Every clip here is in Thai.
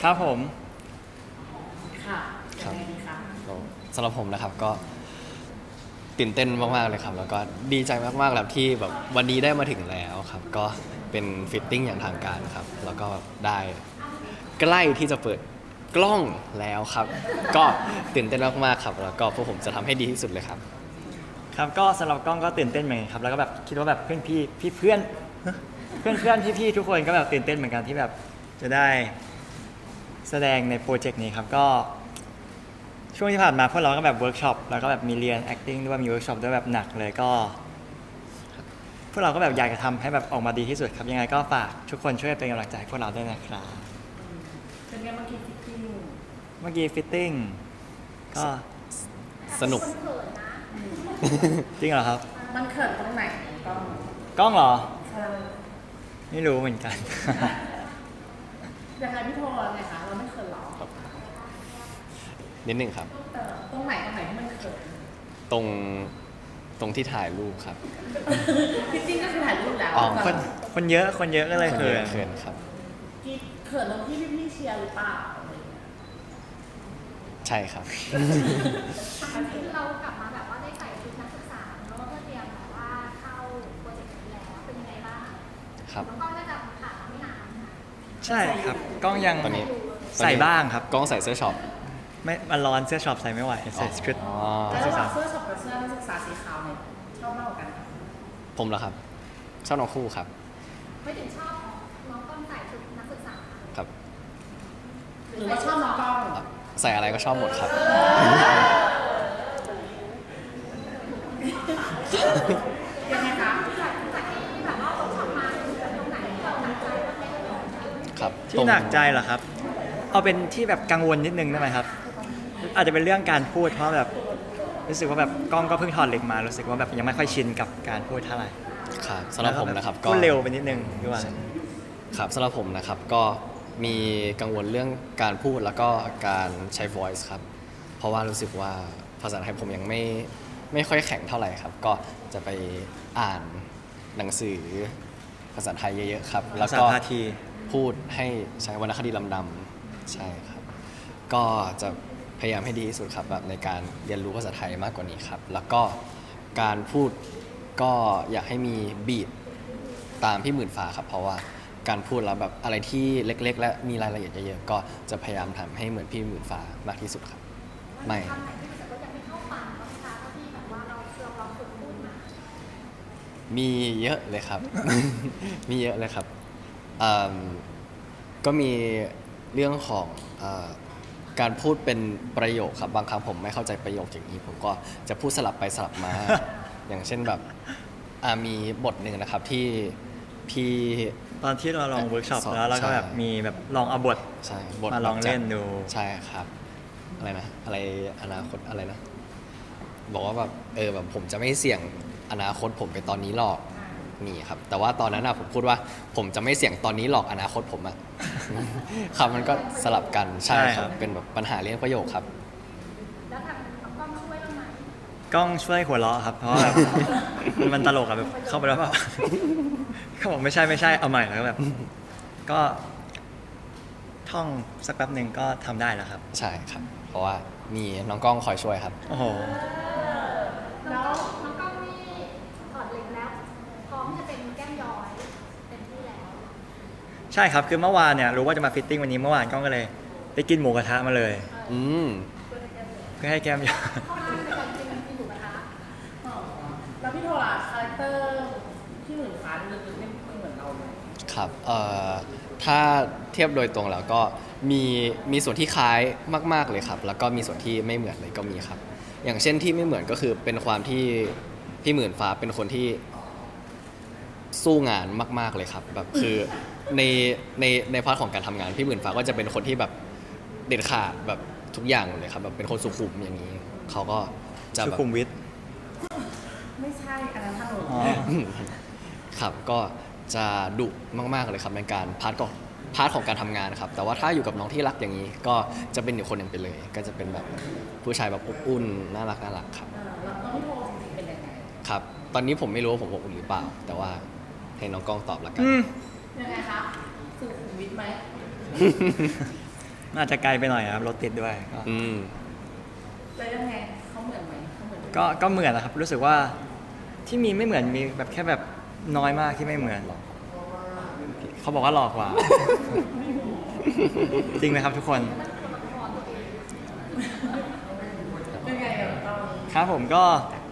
ครับผมค่ะครับยังไงดีคะสำหรับผมนะครับก็ตื่นเต้นมากๆเลยครับแล้วก็ดีใจมากๆแล้วที่แบบวันนี้ได้มาถึงแล้วครับก็เป็นฟิตติ้งอย่างทางการครับแล้วก็ได้ใกล้ที่จะเปิดกล้องแล้วครับ ก็ตื่นเต้นมากๆครับแล้วก็พวกผมจะทำให้ดีที่สุดเลยครับครับก็สำหรับกล้องก็ตื่นเต้นเหมือนกันครับแล้วก็แบบคิดว่าแบบเพื่อนพี่พี่เพื่อนเพื่อนเพื่อนพี่พี่ทุกคนก็แบบตื่นเต้นเหมือนกันที่แบบจะได้แสดงในโปรเจกต์นี้ครับก็ช่วงที่ผ่านมาพวกเราก็แบบเวิร์กช็อปแล้วก็แบบมีเรียน acting ด้วยมีเวิร์กช็อปด้วยแบบหนักเลยก็พวกเราก็แบบอยากจะทำให้แบบออกมาดีที่สุดครับยังไงก็ฝากทุกคนช่วยเป็นกำลังใจให้พวกเราด้วยนะครับเป็นไงเมื่อกี้ฟิตติ้งเมื่อกี้ฟิตติ้งก็สนุกจริงเหรอครับมันเขินตรงไหนต้องกล้องเหรอเออไม่รู้เหมือนกันยังไงพี่โทรไงคะเราไม่เขินหรอนิดหนึ่งครับตรงไหนที่มันเขินตรงที่ถ่ายรูปครับฟิตติ้งก็คือถ่ายรูปแล้วอ๋อคนเยอะก็เลยเขิเขินนเขินครับที่เขินตรงที่พี่เชียร์หรือเปล่าอะไรอย่างเงี้ยใช่ครับเรากลับมาแบบว่าได้ใส่ชุดนักศึกษาแล้วก็เพื่อเตรียมแบบว่าเข้าโปรเจกต์นี้แล้วเป็นยังไงบ้างครับน้องก้องน่าจะผ่านมาไม่นานนะใช่ครับกล้องยังตอนนี้ใส่บ้างครับกล้องใส่เสื้อช็อปไม่มันร้อนเสื้อช็อปใส่ไม่ไหวใส่ชุดอ๋อแล้วระหว่างเสื้อช็อปกับเสื้อนักศึกษาสีขาวเนี่ยชอบมากกว่ากันคะผมเหรอครับ ชอบน้องคู่ครับไม่ถึงชอบน้องก้องใส่ชุดนักศึกษาครับหรือว่าชอบน้องกล้องใส่อะไรก็ชอบหมดครับยังไงคะจากที่แบบว่าต้องทำมาตรงไหนที่เราหนักใจบ้างไหมครับที่หนักใจเหรอครับ เอาเป็นที่แบบกังวลนิดนึงได้ไหมครับ อาจจะเป็นเรื่องการพูดเพราะแบบรู้สึกว่าแบบกล้องก็เพิ่งถอดเหล็กมารู้สึกว่าแบบยังไม่ค่อยชินกับการพูดเท่าไหร่ครับสำหรับผมนะครับก็พูดเร็วไปนิดนึงด้วยครับสำหรับผมนะครับก็มีกังวลเรื่องการพูดแล้วก็การใช้ voice ครับ เพราะว่ารู้สึกว่าภาษาไทยผมยังไม่ค่อยแข็งเท่าไหร่ครับ ก็จะไปอ่านหนังสือภาษาไทยเยอะๆครับ แล้วภาษาก็พาทีพูดให้ใช้วรรณคดีลำดำใช่ครับ ก็จะพยายามให้ดีที่สุดครับแบบในการเรียนรู้ภาษาไทยมากกว่านี้ครับ แล้วก็การพูดก็อยากให้มีบีทตามพี่หมื่นฟ้าครับ เพราะว่าการพูดแล้วแบบอะไรที่เล็กๆ และมีรายละเอียดเยอะๆก็จะพยายามทำให้เหมือนพี่หมื่นฟ้ามากที่สุดครับ ไม่คำไหนที่รู้สึกว่ายังไม่เข้าปากบ้างไหมคะเท่าที่แบบว่าเราลองฝึกพูดมามีเยอะเลยครับ มีเยอะเลยครับเอิ่มก็มีเรื่องของการพูดเป็นประโยคครับบางครั้งผมไม่เข้าใจประโยคอย่างนี้ผมก็จะพูดสลับไปสลับมา อย่างเช่นแบบมีบทหนึ่งนะครับที่พี่ตอนที่เราลองเวิร์กช็อปสอนแล้วเราก็แบบใช่มีแบบลองเอาบทใช่บทมาลองเล่นดูใช่ครับอะไรนะอะไรอนาคตอะไรนะ บอกว่าแบบแบบผมจะไม่เสี่ยงอนาคตผมไปตอนนี้หรอกนี่ครับ แต่ว่าตอนนั้นอะผมพูดว่าผมจะไม่เสี่ยงตอนนี้หรอกอนาคตผมอะ ครับมันก็สลับกันใช่ใช่คครัรับ บเป็นแบบปัญหาเรื่องประโยคครับแล้วทางน้องก้องช่วยเราไหมกล้องช่วยหัวเราะครับ เพราะว่าแบบ มันตลกอะแบบเข้าไปแล้วแบบ เขาบอกไม่ใช่เอาใหม่แล้วก็แบบ ก็ท่องสักแป๊บหนึ่งก็ทำได้แล้วครับใช่ครับ เพราะว่ามีน้องกล้องคอยช่วยครับโอ้โหแล้วน้องก้องนี่ถอดเหล็กแล้วพร้อมจะเป็นแก้มย้อยเต็มที่แล้วใช่ครับคือเมื่อวานเนี่ยรู้ว่าจะมาฟิตติ้งวันนี้เมื่อวานกล้องก็เลยไปกินหมูกระทะมาเลยอืมเพื่อให้แก้มยาวเข้ามาในการกินหมูกระทะอ๋อแล้วพี่โทรล่ะคาแรคเตอร์ที่หมื่นฟ้าลึกๆไม่เหมือนเราเลยครับถ้าเทียบโดยตรงแล้วก็มีส่วนที่คล้ายมากๆเลยครับ แล้วก็มีส่วนที่ไม่เหมือนเลยก็มีครับ อย่างเช่นที่ไม่เหมือนก็คือเป็นความที่พี่หมื่นฟ้าเป็นคนที่สู้งานมากๆเลยครับแบบคือในพาร์ทของการทำงานพี่หมื่นฟ้าก็จะเป็นคนที่แบบเด็ดขาดแบบทุกอย่างเลยครับแบบเป็นคนสุขุมอย่างนี้เขาก็จะสุแบบขุมวิทไม่ใช่อันนั้นถนนอ๋อครับก็จะดุมากๆเลยครับในการพาร์ทของการทำงานครับแต่ว่าถ้าอยู่กับน้องที่รักอย่างนี้ ก็จะเป็นอีกคนหนึ่งไปเลย ก็จะเป็นแบบผู้ชายแบบอบอุ่นน่ารักครับแล้วพี่โทรจริงๆเป็นยังไงครับ ตอนนี้ผมไม่รู้ว่าผมอบอุ่นหรือเปล่า แต่ว่าให้น้องกล้องตอบละกันอืมยังไงคะสุขุมวิทไหมมันอาจจะไกลไปหน่อยครับรถติดด้วยก็อืมแล้วยังไงเขาเหมือนไหมเขาเหมือนก็เหมือนนะครับรู้สึกว่าที่มีไม่เหมือนมีแบบแค่แบบน้อยมากที่ไม่เหมือนเขาบอกว่าหลอกกว่า จริงไหมครับทุกคนเป็นไงอะตอนครับผมก็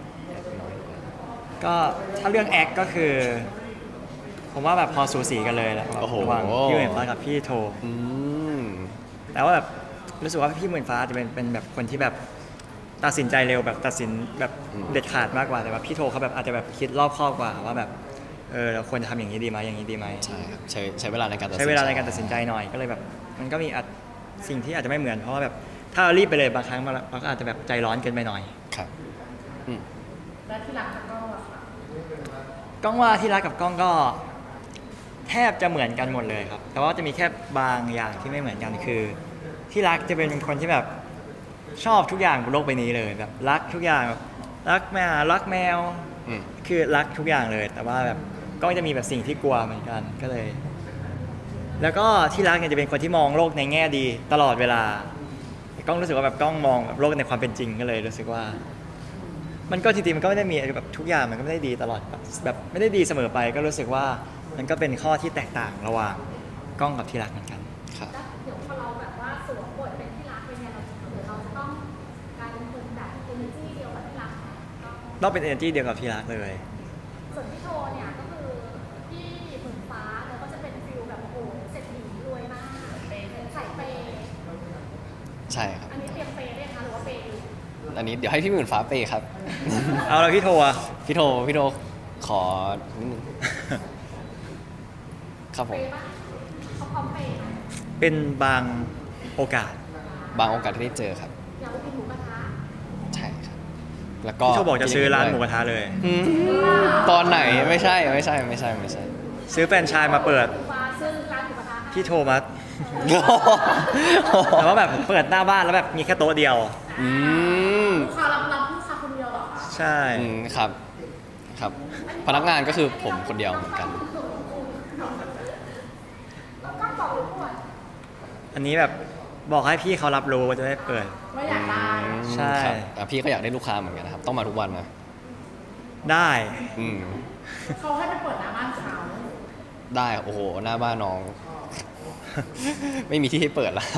ถ้าเรื่องแอคก็คือ ผมว่าแบบพอสูสีกันเลยแหละโอ้โหระหว่างพี่หมื่นฟ้ากับพี่โทอืมแต่ว่าแบบรู้สึกว่าพี่หมื่นฟ้าจะเป็นแบบคนที่แบบตัดสินใจเร็วแบบตัดสินแบบเด็ดขาดมากกว่าแต่ว่าพี่โทเขาแบบอาจจะแบบคิดรอบคอบกว่าว่าแบบเราควรจะทำอย่างนี้ดีไหมอย่างนี้ดีไหมใช่ครับใช้เวลาในการตัดสินใช้เวลาในการตัดสินใจหน่อยก็เลยแบบมันก็มีสิ่งที่อาจจะไม่เหมือนเพราะว่าแบบถ้าเรารีบไปเลยบางครั้งเราก็อาจจะแบบใจร้อนเกินไปหน่อยครับอืมแล้วที่รักก็อะค่ะก้องว่าที่รักกับก้องก็แทบจะเหมือนกันหมดเลยครับ แต่ว่าจะมีแค่บางอย่างที่ไม่เหมือนกันคือ ที่รักจะเป็นคนที่แบบชอบทุกอย่างบนโลกใบนี้เลยแบบรักทุกอย่างแบบรักแมวรักแมวอืมคือรักทุกอย่างเลย แต่ว่าแบบก้องจะมีแบบสิ่งที่กลัวเหมือนกันก็เลย แล้วก็ที่รักเนี่ยจะเป็นคนที่มองโลกในแง่ดีตลอดเวลาก้องรู้สึกว่าแบบก้องมองแบบโลกในความเป็นจริงก็เลยรู้สึกว่า มันก็จริงๆมันก็ไม่ได้มีแบบทุกอย่างมันก็ไม่ได้ดีตลอดแบบไม่ได้ดีเสมอไป ก็รู้สึกว่ามันก็เป็นข้อที่แตกต่างระหว่างก้องกับที่รักเหมือนกันครับแล้วเดี๋ยวพอเราแบบว่าสวมบทเป็นที่รักเป็นไงเราหรือเราจะต้องกลายเป็นคนแบบเอเนอร์จีเดียวกับที่รักไหมก็ต้องเป็น energy เดียวกับที่รักเลยส่วนพี่โทเนี่ยก็คือพี่หมื่นฟ้าแล้วก็จะเป็นฟิลแบบโอ้โหเศรษฐีรวยมากเป็นใส่เปย์ใช่ครับอันนี้เตรียมเปย์ได้คะหรือว่าเปย์อยู่อันนี้เดี๋ยวให้พี่หมื่นฟ้าเปย์ครับเอาเราพี่โทรอะพี่โทขอนิดนึงครับผเปมย์ปะเขาพร้อมเปย์ไหมเป็นบางโอกาสบางโอกาสที่ได้เจอครับอยากไปกินหมูกระทะใช่ครับ แล้วก็พี่โทรบอกจะซื้อร้านหมูกระทะเลยอืมตอนไหนไม่ใช่ซื้อแฟรนไชส์มาเปิดฟ้าซื้อร้านหมูกระทะให้พี่โทรมาแต่ว่าแบบเปิดหน้าบ้านแล้วแบบมีแค่โต๊ะเดียวอืมลูกค้ารับลูกค้าคนเดียวเหรอคะใช่อืมครับ ครับ พนักงานก็คือผมคนเดียวเหมือนกันแล้วก็บอกเลยก่อนอันนี้แบบบอกให้พี่เขารับรู้ว่าจะได้เปิดว่าอยากได้ใช่ครับอ่ะพี่ก็อยากได้ลูกค้าเหมือนกันนะครับ ต้องมาทุกวันนะได้อืมเขาให้ไปเปิดหน้าบ้านเขาได้โอ้โหหน้าบ้านน้อง ไม่มีที่ให้เปิดแล้วครับ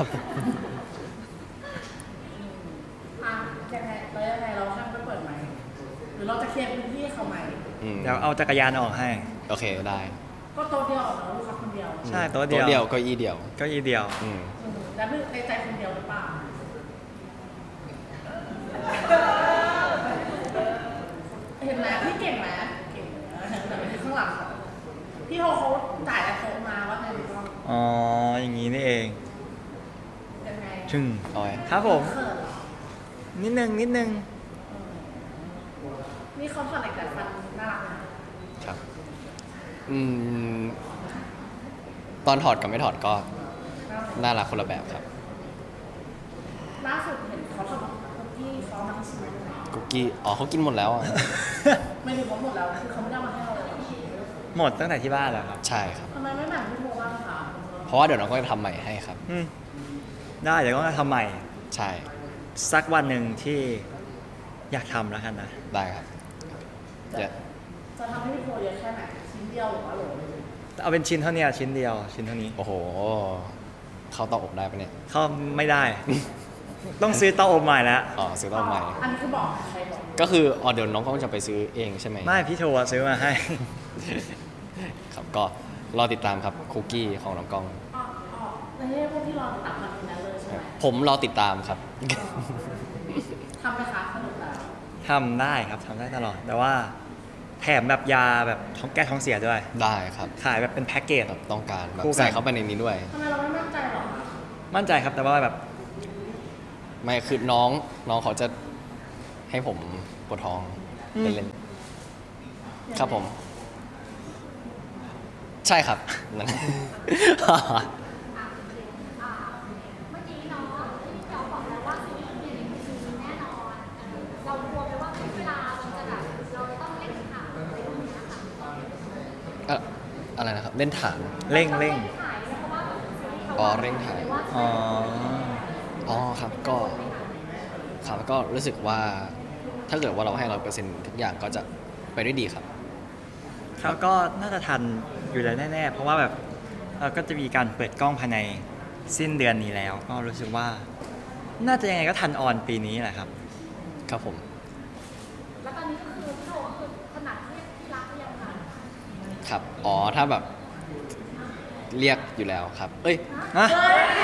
อ่ะยังไงแล้วยังไงเราห้ามไปเปิดไหมหรือเราจะเคลียร์พื้นที่ให้เขาไหมอืมเดี๋ยวเอาจักรยานออกให้โอเคได้ก็โต๊ะเดียวเหรอลูกค้าคนเดียวใช่โต๊ะโต๊ะเดีเดียยว วเก็อี้เดียวเก็อีเดียวอืมแล้วในใจคนเดียวหรือเปล่าเห็นไหมพี่เก่งไหมเก่งนะแต่ไม่ใช่ข้างหลังเขาพี่โฮเขาจ่ายแล้วโทรมาว่าไงดีบ้างอ๋อ อย่างนี้นี่เองยังไงชึ่งเอาไว้ครับผมเขินเหรอนิดนึงนี่เขาถอดเหล็กดัดฟันน่ารักนะครับอืม ตอนถอดกับไม่ถอดก็น่ารักน่ารักคนละแบบครับล่าสุดเห็นเขาทำคุกกี้ซอสน้ำชีสกุ๊กกี้ อ๋อเขากินหมดแล้วอ่ะไม่ถึงเขาหมดแล้วคือเขาไม่ได้เอามาให้เราเลยหมดตั้งแต่ที่บ้านแล้วครับใช่ครับทำไมไม่แบ่งพี่โมบ้างคะเพราะว่าเดี๋ยวน้องก็จะทำใหม่ให้ครับอืมได้เดี๋ยวก็ทำใหม่ใช่สักวันหนึ่งที่อยากทำแล้วกันนะได้ครับจะเดี๋ยวจะทำให้พี่โมเยอะแค่ไหนชิ้นเดียวหรือว่าโหลเอาเป็นชิ้นเท่านี้ชิ้นเดียว ชิ้นเท่านี้โอ้โห เข้าเตาอบได้ปะเนี่ยเข้าไม่ได้ ต้องซื้อเตาอบใหม่แล้วอ๋อซื้อเตาอบใหม่อันนี้คือบอกใครบอกก็คืออ๋อเดี๋ยวน้องก็จะไปซื้อเองใช่ไหมไม่พี่โทรซื้อมาให้ครับ ก็รอติดตามครับคุกกี้ของน้องกล้องอ๋อในพวกที่รอตัดมันนั้นเลยใช่ไหมผมรอติดตามครับทำไหมคะสนุกแล้วทำได้ครับทำได้ตลอด แต่ว่าแถมแบบยาแบบท้องแก้ท้องเสียด้วยได้ครับขายแบบเป็นแพ็กเกจแบบต้องการแบบคู่กันใส่เข้าไปในนี้ด้วยทำไมเราไม่มั่นใจหรอคะมั่นใจครับแต่ว่าแบบไม่คือน้องเขาจะให้ผมปวดท้องเล่นๆครับผม ใช่ครับนั่นเมื่อกี้เนาะที่เราบอกแล้วว่าซีรีส์มีแน่นอนเรากลัวไหมว่าเวลามันจะแบบเราจะต้องเล่นข่าวอะไรอย่างเงี้ยค่ะอะไรนะครับ เล่นฐานเร่งถ่ายเพราะว่าซีรีส์เขาอ๋อเร่งถ่ายว่าอ๋ออ๋อครับก็ครับก็รู้สึกว่าถ้าเกิดว่าเราให้100%ทุกอย่างก็จะไปด้วยดีครับเขาก็น่าจะทันอยู่แล้วแน่ๆ เพราะว่าแบบก็จะมีการเปิดกล้องภายในสิ้นเดือนนี้แล้ว ก็รู้สึกว่า น่าจะยังไงก็ทันออนปีนี้แหละครับครับผมแล้วตอนนี้ก็คือพี่โทก็คือถนัดเรียกที่รักหรือยังคะครับอ๋อถ้าแบบเรียกอยู่แล้วครับ เอ้ยฮะ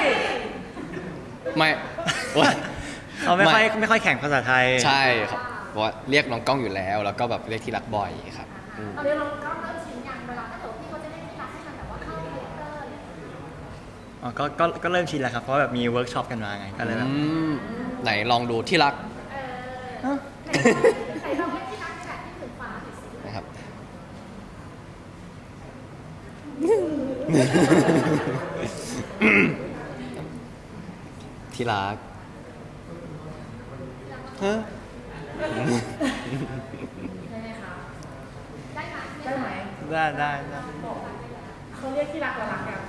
ไม่โอ๊ยเขาไม่ค่อยแข่งภาษาไทยใช่ครับเพราะว่าเรียกน้องกล้องอยู่แล้ว แล้วก็แบบเรียกที่รักบ่อยครับอืมตอนนี้เราก็เริ่มชินอย่างเวลาถ้าเกิดพี่เขาจะเรียกที่รักให้มันแบบว่าเข้าเรียกเตอร์เนี่ยอ๋อก็เริ่มชินแล้วครับ เพราะแบบมีเวิร์กช็อปกันมาไง ก็เลยแบบไหนลองดูที่รักใส่เราเรียกที่รักในแบบที่ถึงฟ้าหน่อยสินะครับ ที่รักฮะได้ไหมคะได้ไหมได้ไหมได้เขาเรียกที่รักเรารักกัน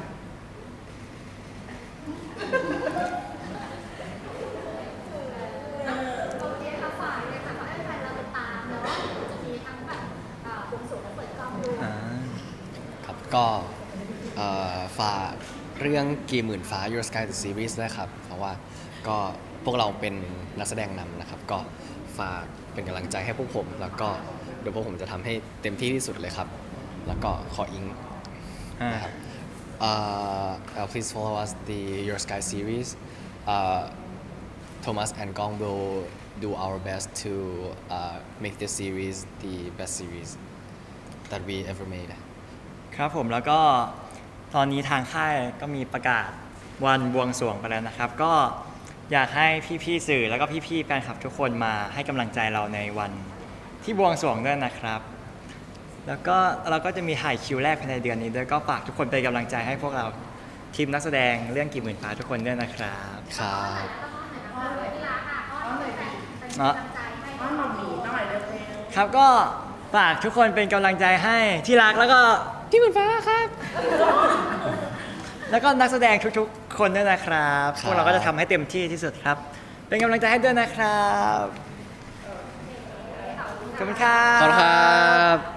โอเคค่ะฝ่ายเลยค่ะขอให้แฟนเราติดตามเนาะจะมีทั้งแบบบวงสรวงและเปิดกล้องดูอ่าครับก็ฝากเรื่องกี่หมื่นฟ้า Your Sky the Series ด้วยครับ เพราะว่าก็พวกเราเป็นนักแสดงนำนะครับ ก็ฝากเป็นกำลังใจให้พวกผม แล้วก็เดี๋ยวพวกผมจะทำให้เต็มที่ที่สุดเลยครับ แล้วก็ขออิง นะครับ please follow us the Your Sky series. Thomas and Gong will do our best to make this series the best series that we ever made. ครับผมแล้วก็ตอนนี้ทางค่ายก็มีประกาศวันบวงสรวงไปแล้วนะครับ ก็อยากให้พี่ๆสื่อแล้วก็พี่ๆแฟนคลับทุกคนมาให้กำลังใจเราในวันที่บวงสรวงด้วยนะครับ แล้วก็เราก็จะมีถ่ายคิวแรกภายในเดือนนี้ด้วยก็ฝากทุกคนเป็นกำลังใจให้พวกเราทีมนักแสดงเรื่องกี่หมื่นฟ้าทุกคนด้วยนะครับครับอ้อนเลยที่รักอ่ะอ้อนเลยเป็นกำลังใจให้อ้อนหน่อยหน่อยเร็วครับก็ฝากทุกคนเป็นกำลังใจให้ที่รักแล้วก็ที่หมื่นฟ้าครับ แล้วก็นักแสดงทุกๆ คนด้วยนะครับครับพวกเราก็จะทำให้เต็มที่ที่สุดครับ เป็นกำลังใจให้ด้วยนะครับ ขอบคุณครัขอบคุณบครับ